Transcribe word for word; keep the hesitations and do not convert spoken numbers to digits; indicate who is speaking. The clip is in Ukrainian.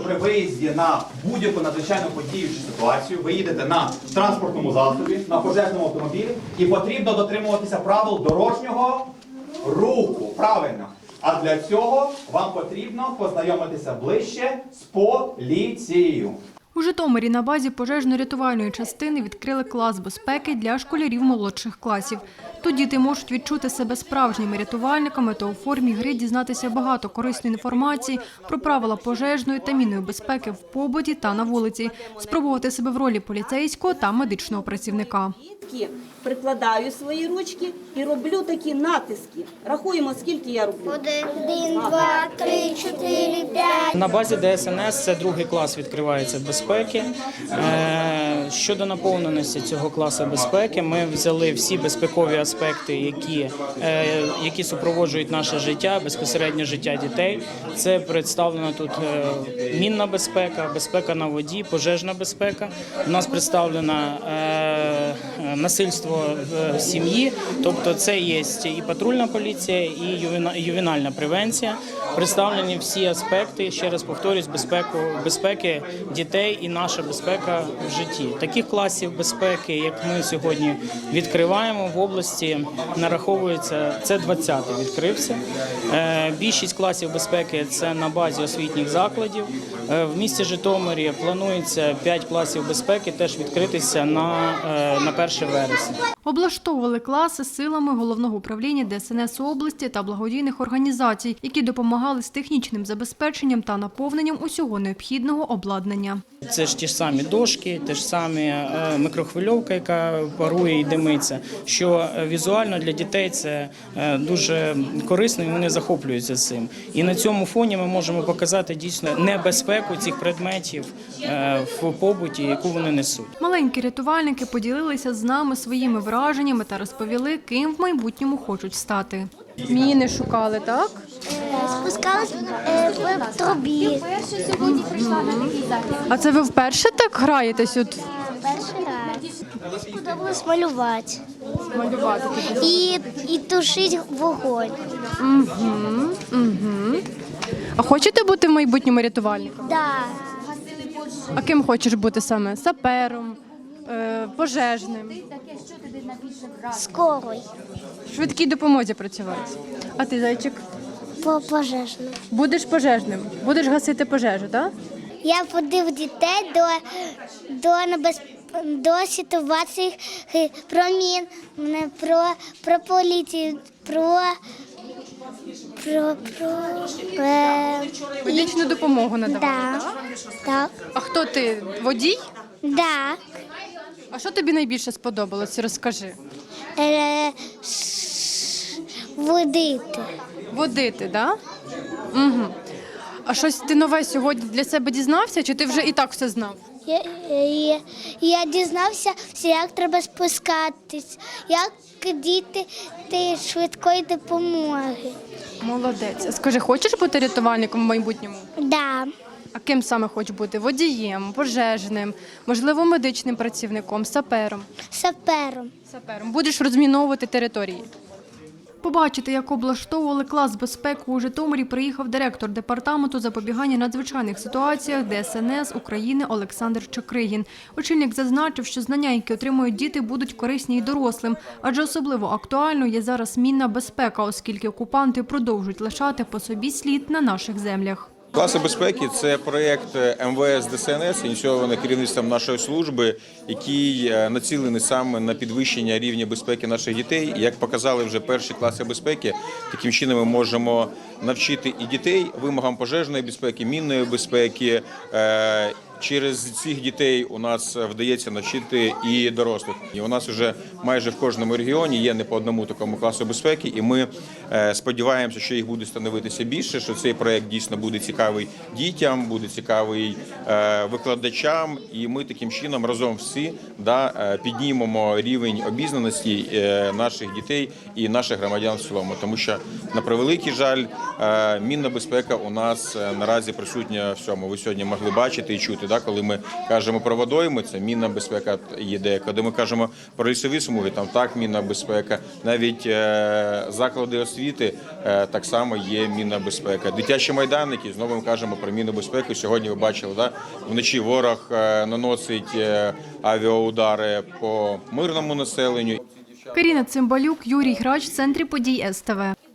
Speaker 1: при виїзді на будь-яку надзвичайну подію чи ситуацію ви їдете на транспортному засобі, на пожежному автомобілі і потрібно дотримуватися правил дорожнього руху. Правильно. А для цього вам потрібно познайомитися ближче з поліцією.
Speaker 2: У Житомирі на базі пожежно-рятувальної частини відкрили клас безпеки для школярів молодших класів. Тут діти можуть відчути себе справжніми рятувальниками та у формі гри дізнатися багато корисної інформації про правила пожежної та мінної безпеки в побуті та на вулиці, спробувати себе в ролі поліцейського та медичного працівника.
Speaker 3: Прикладаю свої ручки і роблю такі натиски. Рахуємо, скільки я роблю.
Speaker 4: Один, два, три, чотири, п'ять.
Speaker 5: На базі Д С Н С це другий клас відкривається безпеки. Щодо наповненості цього класу безпеки, ми взяли всі безпекові аспекти, які, які супроводжують наше життя, безпосередньо життя дітей. Це представлено тут мінна безпека, безпека на воді, пожежна безпека. У нас представлена насильство в сім'ї, тобто це є і патрульна поліція, і ювенальна превенція. Представлені всі аспекти, ще раз повторюсь, безпеку, безпеки дітей і наша безпека в житті. Таких класів безпеки, як ми сьогодні відкриваємо в області, нараховується, це двадцятий відкрився. Більшість класів безпеки – це на базі освітніх закладів. В місті Житомирі планується п'ять класів безпеки теж відкритися на, на перше вересня.
Speaker 2: Облаштовували класи силами Головного управління Д С Н С області та благодійних організацій, які допомагали з технічним забезпеченням та наповненням усього необхідного обладнання.
Speaker 5: Це ж ті ж самі дошки, те ж самі мікрохвильовка, яка парує і димиться, що візуально для дітей це дуже корисно і вони захоплюються цим. І на цьому фоні ми можемо показати дійсно небезпеку цих предметів в побуті, яку вони несуть.
Speaker 2: Маленькі рятувальники поділилися з нами своїми враженнями та розповіли, ким в майбутньому хочуть стати. Міни шукали, так?
Speaker 4: Спускалась в трубі.
Speaker 2: А це ви вперше так граєтесь? От?
Speaker 4: Перший раз. Мені сподобалось малювати.
Speaker 2: Малювати.
Speaker 4: І, і тушити вогонь.
Speaker 2: Угу, угу. А хочете бути в майбутньому рятувальником?
Speaker 4: Да.
Speaker 2: А ким хочеш бути саме? Сапером, е, пожежним?
Speaker 4: Скорий.
Speaker 2: В швидкій допомозі працювати. А ти, зайчик?
Speaker 4: По пожежну.
Speaker 2: Будеш пожежним? Будеш гасити пожежу, так?
Speaker 4: Я водив дітей до, до, небез... до ситуації про мін, про, про поліцію, про... Про, про... Е...
Speaker 2: Медичну допомогу надавати,
Speaker 4: Да.
Speaker 2: так?
Speaker 4: Так.
Speaker 2: А хто ти? Водій?
Speaker 4: Да.
Speaker 2: А що тобі найбільше сподобалось? Розкажи.
Speaker 4: Е... ш- Водити.
Speaker 2: Водити, так? Угу. А щось ти нове сьогодні для себе дізнався, чи ти вже і так все знав?
Speaker 4: Я, я, я дізнався, як треба спускатись, як діти ти швидкої допомоги.
Speaker 2: Молодець. А скажи, хочеш бути рятувальником в майбутньому?
Speaker 4: Да.
Speaker 2: А ким саме хочеш бути? Водієм, пожежним, можливо, медичним працівником, сапером?
Speaker 4: Сапером.
Speaker 2: Сапером. Будеш розміновувати території. Побачити, як облаштовували клас безпеки у Житомирі, приїхав директор департаменту запобігання надзвичайних ситуаціях Д С Н С України Олександр Чокригін. Очільник зазначив, що знання, які отримують діти, будуть корисні й дорослим, адже особливо актуальною є зараз мінна безпека, оскільки окупанти продовжують лишати по собі слід на наших землях.
Speaker 6: Класи безпеки – це проєкт М В С Д С Н С, ініційований керівництвом нашої служби, який націлений саме на підвищення рівня безпеки наших дітей. Як показали вже перші класи безпеки, таким чином ми можемо навчити і дітей вимогам пожежної безпеки, мінної безпеки. Через цих дітей у нас вдається навчити і дорослих. І у нас вже майже в кожному регіоні є не по одному такому класу безпеки, і ми сподіваємося, що їх буде становитися більше, що цей проєкт дійсно буде цікавий дітям, буде цікавий викладачам, і ми таким чином разом всі да, піднімемо рівень обізнаності наших дітей і наших громадян в цілому. Тому що, на превеликий жаль, мінна безпека у нас наразі присутня в цьому. Ви сьогодні могли бачити і чути бути. Да? Коли ми кажемо про водойми, це мінна безпека є. Коли ми кажемо про лісові смуги, там так мінна безпека. Навіть е, заклади освіти е, так само є мінна безпека. Дитячі майданники, знову ми кажемо про мінну безпеку. Сьогодні ви бачили, да? Вночі ворог е, наносить е, авіаудари по мирному населенню.
Speaker 2: Каріна Цимбалюк, Юрій Грач, в центрі подій ес те ве.